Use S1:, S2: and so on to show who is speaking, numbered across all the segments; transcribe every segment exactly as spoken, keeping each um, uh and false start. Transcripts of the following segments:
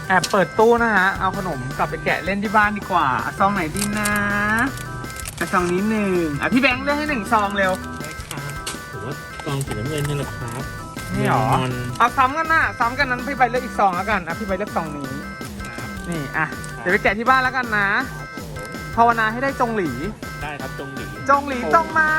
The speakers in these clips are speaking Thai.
S1: แอบเปิดตู้นะฮะเอาขนมกลับไปแกะเล่นที่บ้านดีกว่าซองไหนดีนะซองนี้หนึ่งอ่ะพี่แบงค์เลือกให้หนึ่งซองเร็ว
S2: ถือว่าซองสีน้ำเงินนี่แหละครับ
S1: นี่หรอเอาซ้ำกันนะซ้ำกันนั้นพี่ใบเลือกอีกซองแล้วกันอ่ะพี่ใบเลือกซองนี้นี่อ่ะเดี๋ยวไปแกะที่บ้านแล้วกันนะภาวนาให้ได้จงหลี
S2: ได้ครับจงหลี
S1: จงหลีจงมา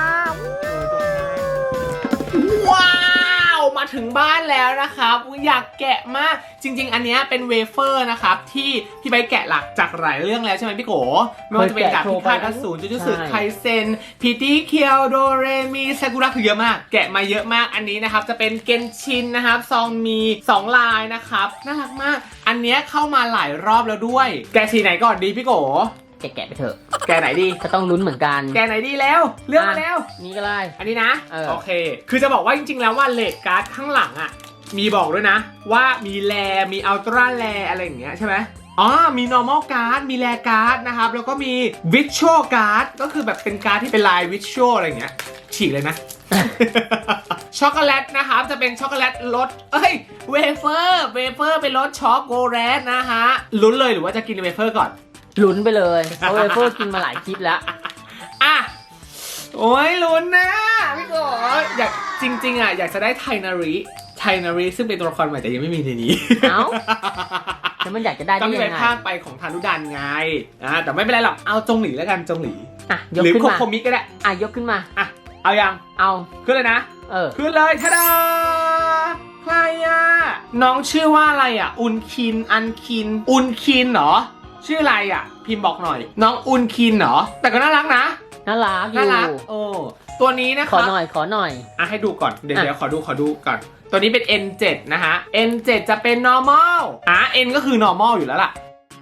S1: ว้าวมาถึงบ้านแล้วนะครับอยากแกะมากจริงๆอันนี้เป็นเวเฟอร์นะครับที่พี่ใบแกะหลักจากหลายเรื่องแล้วใช่ไหมพี่โกไม่ว่าจะเป็นจากพิฆาตอสูรจูจูสึไคเซนพีตี้เคียวโดเรมีซากุระคือเยอะมากแกะมาเยอะมากอันนี้นะครับจะเป็นเกนชินนะครับซองมีสองลายนะครับน่ารักมากอันนี้เข้ามาหลายรอบแล้วด้วยแกะสีไหนก่อนดีพี่โก
S3: แกะไปเถอะ
S1: แกไหนดี
S3: ก็ต้องลุ้นเหมือนกัน
S1: แกไหนดีแล้วเลือกมาแล้ว
S3: นี่ก็ได้
S1: อันนี้นะโอเคคือจะบอกว่าจริงๆแล้วว่าเลดการ์ดข้างหลังอ่ะมีบอกด้วยนะว่ามีแลมีอัลตร้าแลอะไรอย่างเงี้ยใช่ไหมอ๋อมี normal card มีแลการ์ดนะครับแล้วก็มี visual card ก็คือแบบเป็นการ์ดที่เป็นลาย visual อะไรอย่างเงี้ยฉีกเลยนะ ช็อกโกแลตนะครับจะเป็นช็อกโกแลตรสเอ้ยเวเฟอร์เวเฟอร์เป็นรสช็อกโกแลตนะฮะลุ้นเลยหรือว่าจะกินเวเฟอร์ก่อน
S3: ลุ้นไปเลยเพราะเวเฟอร์กินมาหลายคลิปแล้ว
S1: อ่ะโอ้ยลุ้นนะพี่โกอยากจริงๆอ่ะอยากจะได้ไทนาริไทนาริซึ่งเป็นตัวละครใหม่แต่ยังไม่มีในนี้
S3: เอ้าแล้วมันอยากจะได้ได้ยังไงก็
S1: มีไปภาคไปของทานุดันไงอ่ะแต่ไม่เป็นไรหรอกเอาจงหลีแล้วกันจงหลี
S3: อ่ะยก
S1: ขึ้นมาหรือโคโคมิก็ได้
S3: อ่ะยกขึ้นมา
S1: อ่ะเอายัง
S3: เอา
S1: ขึ้นเลยนะ
S3: เออ
S1: ขึ้นเลยทาดาใครอ่ะน้องชื่อว่าอะไรอ่ะอุนคินอันคินอุนคินเหรอชื่ออะไรอ่ะพิมพ์บอกหน่อยน้องอุนคินเหรอแต่ก็น่ารักนะ
S3: น่ารัก
S1: น่ารักโอ้ตัวนี้นะครับ
S3: ขอหน่อยขอหน่อย
S1: อ่ะให้ดูก่อนเดี๋ยวเดี๋ยวขอดูขอดูก่อนตัวนี้เป็น เอ็น เซเว่น นะฮะ เอ็น เซเว่น จะเป็น normal อ่ะ N ก็คือ normal อยู่แล้วล่ะ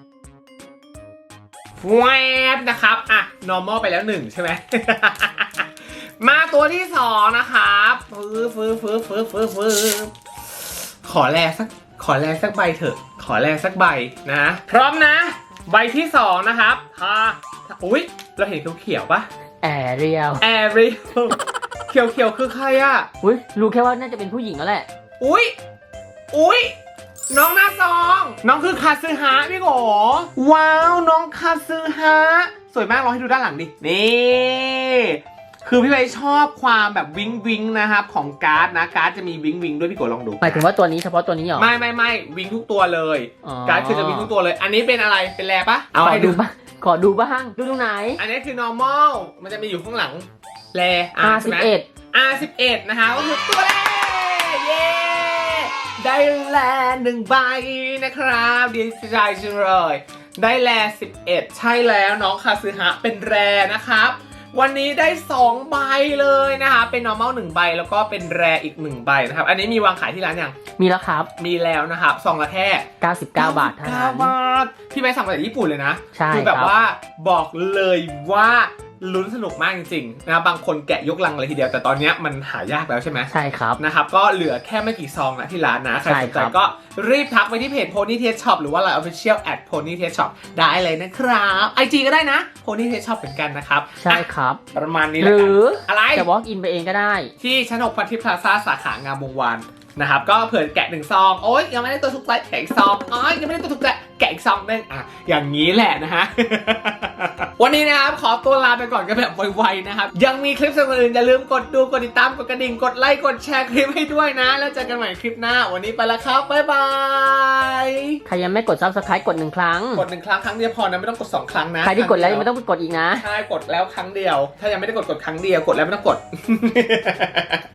S1: แวบนะครับอ่ะ normal ไปแล้วหนึ่งใช่ไหม มาตัวที่สองนะครับฟื้นฟื้นฟื้นฟื้นฟื้นฟื้นขอแลสักขอแลสักใบเถอะขอแลสักใบนะพร้อมนะใบที่สองนะครับค่ะอุ้ยเราเห็นเขียวๆปะ
S3: แอเรียล
S1: แอเรียลเขียวเขียวคือใครอ่ะ
S3: อุ้ยรู้แค่ว่าน่าจะเป็นผู้หญิงแล้วแหละ
S1: อุ้ยอุ้ยน้องหน้าซองน้องคือคาซึฮะพี่โกว้าวน้องคาซึฮะสวยมากลองให้ดูด้านหลังดินี่คือพี่ใบชอบความแบบวิงวิงนะครับของการ์ดนะการ์ดจะมีวิงวิงด้วยพี่โกลองดู
S3: หมายถึงว่าตัวนี้เฉพาะตัวนี้เหรอ
S1: ไม่ไม่ไม่วิงทุกตัวเลยการ์ดคือจะวิงทุกตัวเลยอันนี้เป็นอะไรเป็นแลปะ
S3: เอาให้ดูบ้างขอดูบ้างดูตรงไหน
S1: อันนี้คือ normal มันจะมีอยู่ข้างหลังแล
S3: อาร์ สิบเอ็ด
S1: อาร์ สิบเอ็ด นะคะก็คือตัวแรกเย้ได้แลหนึ่งใบนะครับดีใจจังเลยได้แลสิบเอ็ดใช่แล้วน้องคาซึฮะเป็นแรนะครับวันนี้ได้สองใบเลยนะคะเป็น normal หนึ่งใบแล้วก็เป็นแรอีกหนึ่งใบนะครับอันนี้มีวางขายที่ร้านยัง
S3: มีแล้วครับ
S1: มีแล้วนะครับซองละแค่
S3: เก้าสิบเก้าบาทเท่านั้นเก้าบา
S1: ทพี่ไปสั่งมาจากญี่ปุ่นเลยนะ
S3: ใช่
S1: คือแบบว่าบอกเลยว่าลุ้นสนุกมากจริงๆนะบางคนแกะยกลังเลยทีเดียวแต่ตอนนี้มันหายากแล้วใช่ไหม
S3: ใช่ครับ
S1: นะครับก็เหลือแค่ไม่กี่ซองนะที่ร้านนะใครสนใจก็รีบทักไปที่เพจ Pony Taste Shop หรือว่า ไลน์ Official at Pony Taste Shop ได้เลยนะครับ ไอ จี ก็ได้นะ Pony Taste Shop เหมือนกันนะครับ
S3: ใช่ครับ
S1: ประมาณนี้
S3: หรือ
S1: อะไร
S3: จะ walk in ไปเองก็ได้
S1: ที่ชั้นหกพันทิพย์พลาซ่าสาขางามวงวานนะครับก็เผื่อแกะหนึ่งซองโอ๊ยยังไม่ได้ตัวทุกใจแกะอีกซองอ๋อยังไม่ได้ตัวทุกใจแกะอีกซองนึงอ่ะอย่างนี้แหละนะฮะ วันนี้นะครับขอตัวลาไปก่อนกันแบบไวๆนะครับยังมีคลิปสนุกอื่นอย่าลืมกดดูกดติดตามกดกระดิ่งกดไลค์กดแชร์คลิปให้ด้วยนะแล้วเจอกันใหม่คลิปหน้าวันนี้ไปแล้วครับบ๊ายบาย
S3: ใครยังไม่กด ซับสไครบ์ กดหนึ่งครั้ง
S1: กดหนึ่งครั้งครั้งเดียวพอนะไม่ต้องกดสองครั้งนะ
S3: ใครที่กดแล้วไม่ต้องกดอีกนะ
S1: ใช่กดแล้วครั้งเดียวถ้ายังไม่ได้กดกดครั้งเดียวกดแล้วไม่ต้องกด